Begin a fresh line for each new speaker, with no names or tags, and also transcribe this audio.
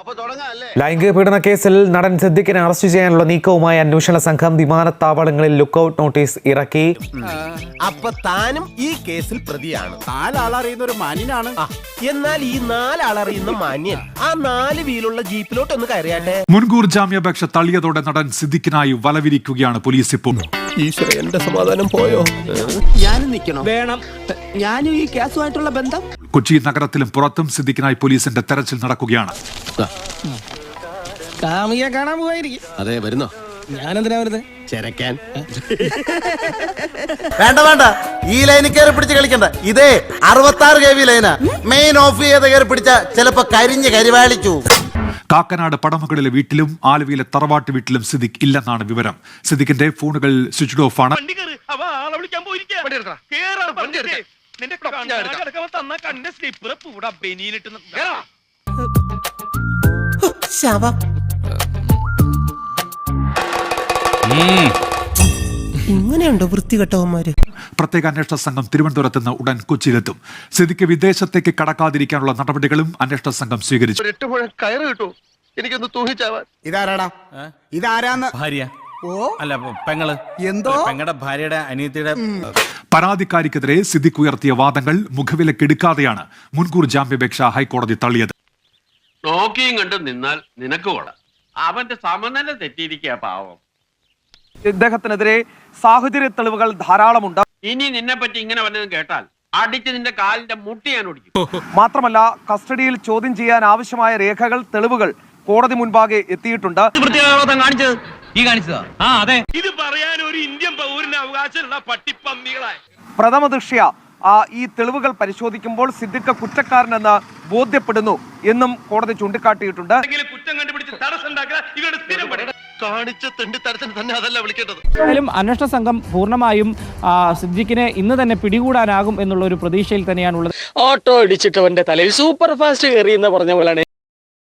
ലൈംഗിക പീഡന കേസിൽ നടൻ സിദ്ദിഖിനെ അറസ്റ്റ് ചെയ്യാനുള്ള നീക്കവുമായി അന്വേഷണ സംഘം വിമാനത്താവളങ്ങളിൽ ലുക്കൌട്ട് നോട്ടീസ് ഇറക്കി.
അപ്പൊ താനും ഈ കേസിൽ പ്രതിയാണ്.
നാലാളറിയുന്ന ഒരു മാന്യനാണ്.
എന്നാൽ ഈ നാലാളറിയുന്ന മാന്യൻ ആ 4 വീലുള്ള ജീപ്പിലോട്ട് ഒന്ന് കയറിയാട്ടെ.
മുൻകൂർ ജാമ്യാപേക്ഷ തള്ളിയതോടെ നടൻ സിദ്ദിഖിനായി വലവിരിക്കുകയാണ് പോലീസ് ഇപ്പോൾ.
ഈശ്വര, എന്റെ സമാധാനം പോയോ?
ഞാനും നിൽക്കണം. വേണം. ഞാനും ഈ കേസുമായിട്ടുള്ള ബന്ധം.
കൊച്ചി നഗരത്തിലും പുറത്തും സിദ്ദിഖിനായി പോലീസിന്റെ തെരച്ചിൽ നടക്കുകയാണ്.
കാമിയെ കാണാൻ പോയിരിക്കും.
അതെ, വരുന്നോ?
ഞാനെന്തിനാ വരുന്നത്?
ചെരക്കാൻ.
വേണ്ട, ഈ ലൈനിൽ കയറി പിടിച്ച് കളിക്കണ്ട. ഇതേ 66 kV ലൈനാ. മെയിൻ ഓഫ് ചെയ്ത് കയറി പിടിച്ച ചിലപ്പോ കരിവാളിച്ചു.
കാക്കനാട് പടമകളിലെ വീട്ടിലും ആലുവയിലെ തറവാട്ട് വീട്ടിലും സിദ്ദിഖ് ഇല്ലെന്നാണ് വിവരം. സിദ്ദിഖിന്റെ ഫോണുകൾ സ്വിച്ച് ഓഫ് ആണ്.
ഇങ്ങനെയുണ്ടോ വൃത്തികെട്ടവന്മാര്?
പ്രത്യേക അന്വേഷണ സംഘം തിരുവനന്തപുരത്ത് നിന്ന് ഉടൻ കൊച്ചിയിലെത്തും. സിദ്ദിഖ് വിദേശത്തേക്ക് കടക്കാതിരിക്കാനുള്ള നടപടികളും അന്വേഷണ സംഘം സ്വീകരിച്ചു.
8 മുഴം കയറ് കിട്ടൂ, എനിക്കൊന്ന് തൂങ്ങിച്ചാവാൻ.
ഇതാരാടാ? ഇതാരാന്ന്?
ഭാര്യ.
ഓ
അല്ല, പെങ്ങള്.
എന്തോ
പെങ്ങളുടെ ഭാര്യയുടെ അനിയത്തിയുടെ.
പരാതിക്കാരിക്കെതിരെ സിദ്ദിഖ് ഉയർത്തിയ വാദങ്ങൾ മുഖവിലക്കെടുക്കാതെയാണ് മുൻകൂർ ജാമ്യാപേക്ഷ ഹൈക്കോടതി തള്ളിയത്.
നോക്കിയും കണ്ട് നിന്നാൽ നിനക്ക് കൊള്ളാം. അവന്റെ സമനില തെറ്റിയിരിക്കുക പാവം.
ഇദ്ദേഹത്തിനെതിരെ സാഹചര്യ തെളിവുകൾ ധാരാളമുണ്ട്.
ഇനി നിന്നെ പറ്റി ഇങ്ങനെ വല്ലതും കേട്ടാൽ അടിച്ച് നിന്റെ കാലിന്റെ മുട്ടി ഞാൻ ഓടിക്കും.
മാത്രമല്ല, കസ്റ്റഡിയിൽ ചോദ്യം ചെയ്യാൻ ആവശ്യമായ രേഖകൾ, തെളിവുകൾ കോടതി മുൻപാകെ എത്തിയിട്ടുണ്ട്.
ഇത് പറയാൻ ഒരു ഇന്ത്യൻ പൗരന് അവകാശമുള്ള പട്ടിപ്പന്നികളായി.
പ്രഥമ ദൃഷ്ട്യാ ഈ തെളിവുകൾ പരിശോധിക്കുമ്പോൾ സിദ്ദിഖ് കുറ്റക്കാരനെന്ന് ബോധ്യപ്പെടുന്നു എന്നും കോടതി ചൂണ്ടിക്കാട്ടിയിട്ടുണ്ട്.
കുറ്റം കണ്ടുപിടിച്ച് തടസ്സം ഇവരുടെ സ്ഥിരം പണി.
കാണിച്ച തെണ്ടി തരത്തിന് തന്നെ അതല്ല വിളിക്കേണ്ടത്.
എന്തായാലും അന്വേഷണ സംഘം പൂർണ്ണമായും സിദ്ദിഖിനെ ഇന്ന് തന്നെ പിടികൂടാനാകും എന്നുള്ള ഒരു പ്രതീക്ഷയിൽ തന്നെയാണുള്ളത്.
ഓട്ടോ ഇടിച്ചിട്ടവന്റെ തലയിൽ സൂപ്പർ ഫാസ്റ്റ് കയറി എന്ന് പറഞ്ഞ പോലെയാണ്.